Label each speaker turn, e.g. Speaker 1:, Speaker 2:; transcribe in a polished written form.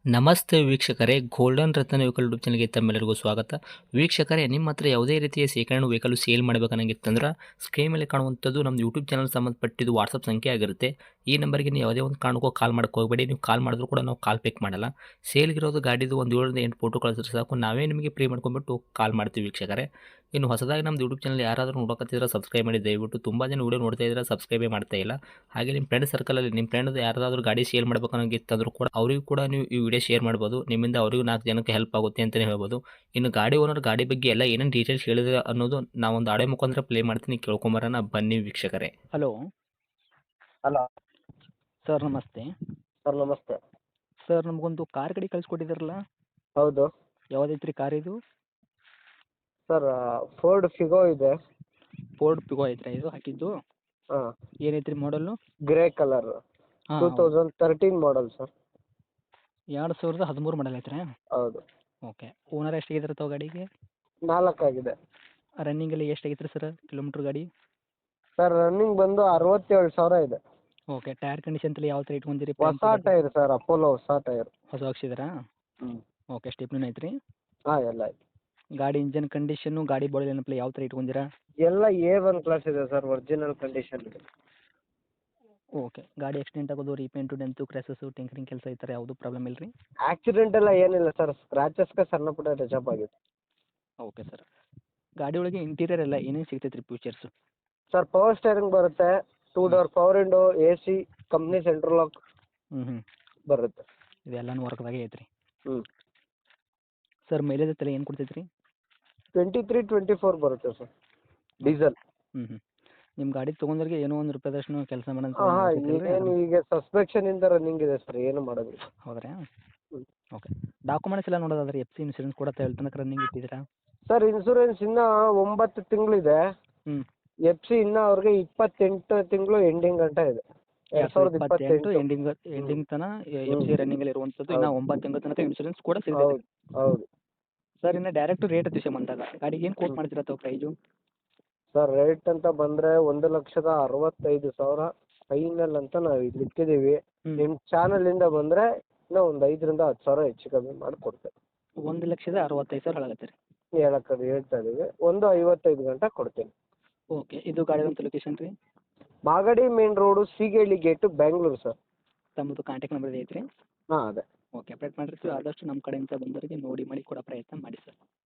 Speaker 1: ನಮಸ್ತೆ ವೀಕ್ಷಕರೇ, ಗೋಲ್ಡನ್ ರತ್ನ vehicle YouTube ಚಾನಲ್ಗೆ ತಮ್ಮೆಲ್ಲರಿಗೂ ಸ್ವಾಗತ. ವೀಕ್ಷಕರೇ, ನಿಮ್ಮ ಹತ್ರ ಯಾವುದೇ ರೀತಿಯ ಶೇಖರಣೆ ವೆಹಿಕಲ್ ಸೇಲ್ ಮಾಡಬೇಕನ್ನಂಗಿತ್ತಂದ್ರೆ ಸ್ಕ್ರೀನ್ ಮೇಲೆ ಕಾಣುವಂಥದ್ದು ನಮ್ಮ ಯೂಟ್ಯೂಬ್ ಚಾನಲ್ ಸಂಬಂಧಪಟ್ಟಿದ್ದು ವಾಟ್ಸಪ್ ಸಂಖ್ಯೆ ಆಗಿರುತ್ತೆ. ಈ ನಂಬರ್ಗೆ ನೀವು ಯಾವುದೇ ಒಂದು ಕಾರಣಕ್ಕೂ ಕಾಲ್ ಮಾಡೋಕ್ಕೆ ಹೋಗಬೇಡಿ. ನೀವು ಕಾಲ್ ಮಾಡಿದ್ರು ಕೂಡ ನಾವು ಕಾಲ್ ಪಿಕ್ ಮಾಡಲ್ಲ. ಸೇಲ್ಗಿರೋದು ಗಾಡಿದು ಒಂದು 7ರಿಂದ 8 ಫೋಟೋ ಕಳಿಸಿದ್ರೆ ಸಾಕು, ನಾವೇ ನಿಮಗೆ ಪ್ರೀ ಮಾಡ್ಕೊಂಡ್ಬಿಟ್ಟು ಕಾಲ್ ಮಾಡ್ತೀವಿ ವೀಕ್ಷಕರೇ. ಇನ್ನು ಹೊಸದಾಗಿ ನಮ್ಮದು ಯೂಟ್ಯೂಬ್ ಚಾನಲ್ ಯಾರಾದರೂ ನೋಡೋಕತ್ತಿದ್ರೆ ಸಬ್ಸ್ಕ್ರೈಬ್ ಮಾಡಿ ದಯವಿಟ್ಟು. ತುಂಬ ಜನ ವೀಡಿಯೋ ನೋಡ್ತಾ ಇದ್ದಾರೆ, ಸಬ್ಸ್ಕ್ರೈಬೇ ಮಾಡ್ತಾ ಇಲ್ಲ. ಹಾಗೆ ನಿಮ್ಮ ಫ್ರೆಂಡ್ ಸರ್ಕಲಲ್ಲಿ ನಿಮ್ಮ ಫ್ರೆಂಡ್ ಯಾರಾದರೂ ಗಾಡಿ ಸೇಲ್ ಮಾಡಬೇಕನ್ನೋಂಗಿತ್ತಂದ್ರೂ ಕೂಡ ಅವರಿಗೂ ಕೂಡ ನೀವು ಈ ವಿಡಿಯೋ ಶೇರ್ ಮಾಡ್ಬೋದು. ನಿಮ್ಮಿಂದ ಅವರಿಗೂ 4 ಜನಕ್ಕೆ ಹೆಲ್ಪ್ ಆಗುತ್ತೆ ಅಂತಲೇ ಹೇಳ್ಬೋದು. ಇನ್ನು ಗಾಡಿ ಓನರ್ ಗಾಡಿ ಬಗ್ಗೆ ಎಲ್ಲ ಏನೇನು ಡೀಟೇಲ್ಸ್ ಹೇಳಿದ್ರೆ ಅನ್ನೋದು ನಾವೊಂದು ಆಡಿಯೋ ಮುಖಾಂತರ ಪ್ಲೇ ಮಾಡ್ತೀನಿ, ಕೇಳ್ಕೊಂಬರೋಣ ಬನ್ನಿ ವೀಕ್ಷಕರೇ.
Speaker 2: ಹಲೋ
Speaker 3: ಹಲೋ
Speaker 2: ಸರ್, ನಮಸ್ತೆ.
Speaker 3: ಸರ್ ನಮಸ್ತೆ.
Speaker 2: ಸರ್, ನಮಗೊಂದು ಕಾರ್ ಗಾಡಿ ಕಳಿಸ್ಕೊಟ್ಟಿದ್ರಲ್ಲ,
Speaker 3: ಹೌದು
Speaker 2: ಯಾವುದೈತ್ರಿ ಕಾರ್ ಇದು?
Speaker 3: ಸರ್, ಫೋರ್ಡ್ ಫಿಗೋ ಇದೆ.
Speaker 2: ಫೋರ್ಡ್ ಪಿಗೋ ಐತ್ರಿ ಇದು ಹಾಕಿದ್ದು?
Speaker 3: ಹಾಂ,
Speaker 2: ಏನೈತ್ರಿ ಮಾಡಲ್ಲು?
Speaker 3: ಗ್ರೇ ಕಲರ್,
Speaker 2: ಹಾಂ,
Speaker 3: 2013 ಮಾಡಲ್ ಸರ್.
Speaker 2: 2013 ಮಾಡಲ್ ಐತ್ರಿ?
Speaker 3: ಹೌದು.
Speaker 2: ಓಕೆ. ಓನರ್ ಎಷ್ಟಾಗಿದ್ರೆ ತಾವು ಗಾಡಿಗೆ?
Speaker 3: 4 ಆಗಿದೆ.
Speaker 2: ರನ್ನಿಂಗಲ್ಲಿ ಎಷ್ಟಾಗೈತ್ರಿ ಸರ್ ಕಿಲೋಮೀಟ್ರ್ ಗಾಡಿ?
Speaker 3: ಸರ್, ರನ್ನಿಂಗ್ ಬಂದು 67,000 ಇದೆ.
Speaker 2: ಓಕೆ. ಟೈರ್ ಕಂಡೀಷನ್ ತಲೆ ಯಾವ ಥರ ಇಟ್ಕೊಂಡಿರಿ?
Speaker 3: ಹೊಸ ಟೈರ್ ಸರ್, ಅಪೋಲೋ ಹೊಸ ಟೈರ್.
Speaker 2: ಹೊಸ ಹಾಕ್ಸಿದ್ರಾ?
Speaker 3: ಹ್ಞೂ.
Speaker 2: ಓಕೆ. ಸ್ಟೆಪ್ನೂ ಐತ್ರಿ?
Speaker 3: ಹಾಂ, ಎಲ್ಲ ಆಯ್ತು.
Speaker 2: ಗಾಡಿ ಇಂಜನ್ ಕಂಡೀಷನ್ನು, ಗಾಡಿ ಬಾಡಿ ಏನಪ್ಪ ಯಾವ ಥರ ಇಟ್ಕೊಂಡಿರಾ?
Speaker 3: ಎಲ್ಲ A1 ಕ್ಲಾಸ್ ಇದೆ ಸರ್, ಒರಿಜಿನಲ್ ಕಂಡೀಷನ್ ಇದೆ.
Speaker 2: ಓಕೆ. ಗಾಡಿ ಆಕ್ಸಿಡೆಂಟ್ ಆಗೋದು, ರೀಪೇಂಟು, ಡೆಂತು, ಕ್ರ್ಯಾಸಸ್ಸು, ಟಿಂಕರಿಂಗ್ ಕೆಲಸ ಈ ಥರ ಯಾವುದೂ ಪ್ರಾಬ್ಲಮ್ ಇಲ್ಲ ರೀ?
Speaker 3: ಆಕ್ಸಿಡೆಂಟ್ ಎಲ್ಲ ಏನಿಲ್ಲ ಸರ್, ಸ್ಕ್ರಾಚಸ್ಗೆ ಸಣ್ಣ ಪುಟ್ಟ ಟಚಪ್ ಆಗಿದೆ.
Speaker 2: Okay sir. ಗಾಡಿ ಒಳಗೆ ಇಂಟೀರಿಯರ್ ಎಲ್ಲ ಏನೇನು ಸಿಗ್ತೈತೆ ರೀ ಫೀಚರ್ಸು?
Speaker 3: ಸರ್, ಪವರ್ ಸ್ಟೇರಿಂಗ್ ಬರುತ್ತೆ, 2 door power window, AC, company central lock
Speaker 2: ಹ್ಞೂ
Speaker 3: ಬರುತ್ತೆ.
Speaker 2: ಇದೆಲ್ಲನೂ ವರ್ಕ್ದಾಗೆ ಐತ್ರಿ?
Speaker 3: ಹ್ಞೂ.
Speaker 2: ಸರ್, ಮೈಲೇಜ್ ತಲೆ ಏನು ಕೊಡ್ತೈತೆ ರೀ?
Speaker 3: 23-24 ಬರುತ್ತೆ ಸರ್, ಡೀಸೆಲ್.
Speaker 2: ಹ್ಞೂ ನಿಮ್ಮ ಗಾಡಿ ತೊಗೊಂಡ್ರಿಗೆ ಏನೋ ಒಂದು ರೂಪಾಯಿದಷ್ಟು ಕೆಲಸ ಮಾಡೋಂಥ
Speaker 3: ಹಾಂ, ಏನು ಈಗ ಸಸ್ಪೆಕ್ಷನ್ ಇಂದ ರನ್ನಿಂಗ್ ಇದೆ ಸರ್, ಏನು ಮಾಡೋದಿಲ್ಲ.
Speaker 2: ಹೌದ್ರಾ?
Speaker 3: ಹ್ಞೂ.
Speaker 2: ಓಕೆ. ಡಾಕ್ಯುಮೆಂಟ್ಸ್ ಎಲ್ಲ ನೋಡೋದಾದ್ರೆ FC ಇನ್ಶೂರೆನ್ಸ್ ಕೂಡ ತನಕ ರನ್ನಿಂಗ್ ಇಟ್ಟಿದ್ದೀರಾ?
Speaker 3: ಸರ್, ಇನ್ಸೂರೆನ್ಸ್ ಇನ್ನೂ 9 ತಿಂಗಳಿದೆ.
Speaker 2: ಹ್ಞೂ.
Speaker 3: FC ಇನ್ನೂ ಅವ್ರಿಗೆ 28 ತಿಂಗಳು ಎಂಡಿಂಗ್ ಗಂಟ ಇದೆ.
Speaker 2: 2028
Speaker 3: 2028
Speaker 2: ಎಂಡಿಂಗ್ ತನಕ FC ರನ್ನಿಂಗಲ್ಲಿ ಇರುವಂಥದ್ದು. ಇನ್ನು 9 ತಿಂಗಳ ತನಕ ಇನ್ಶೂರೆನ್ಸ್ ಕೂಡ ಸಿಗ್ತೈತೆ.
Speaker 3: ಹೌದು ಹೌದು.
Speaker 2: ಸರ್, ಇನ್ನು ಡೈರೆಕ್ಟ್ ರೇಟ್ ವಿಷಯ ಬಂದಾಗ ಗಾಡಿಗೆ ಏನು ಕೋಟ್ ಮಾಡ್ತೀರಾ ತಾವು ಪ್ರೈಸು?
Speaker 3: ಸರ್, ರೇಟ್ ಅಂತ ಬಂದರೆ 1,65,000 ಫೈನಲ್ ಅಂತ ನಾವು ಇಲ್ಲಿ ಇಟ್ಟಿದ್ದೀವಿ. ನಿಮ್ಮ ಚಾನಲಿಂದ ಬಂದರೆ ಇನ್ನೂ ಒಂದು 5,000 ರಿಂದ 10,000 ಹೆಚ್ಚು ಕಮ್ಮಿ ಮಾಡಿ ಕೊಡ್ತೇವೆ.
Speaker 2: 1,65,000 ಹೇಳಕತ್ತೀರಿ?
Speaker 3: ಹೇಳ್ತಾ ಇದ್ದೀವಿ. 1,55,000 ಗಂಟ ಕೊಡ್ತೀನಿ.
Speaker 2: ಓಕೆ. ಇದು ಗಾಡಿದಂಥ ಲೊಕೇಶನ್ ರೀ?
Speaker 3: Magadi main road, Seegehalli gate, Bengaluru sir.
Speaker 2: ತಮ್ಮದು ಕಾಂಟ್ಯಾಕ್ಟ್ ನಂಬರ್ ಐತ್ರಿ?
Speaker 3: ಹಾಂ, ಅದೇ.
Speaker 2: ಓಕೆ. ಅಪ್ಡೇಟ್ ಮಾಡಿರ್ತೀವಿ. ಆದಷ್ಟು ನಮ್ಮ ಕಡೆಯಿಂದ ಬಂದವರಿಗೆ ನೋಡಿ ಮಾಡಿ ಕೊಡೋ ಪ್ರಯತ್ನ ಮಾಡಿ ಸರ್.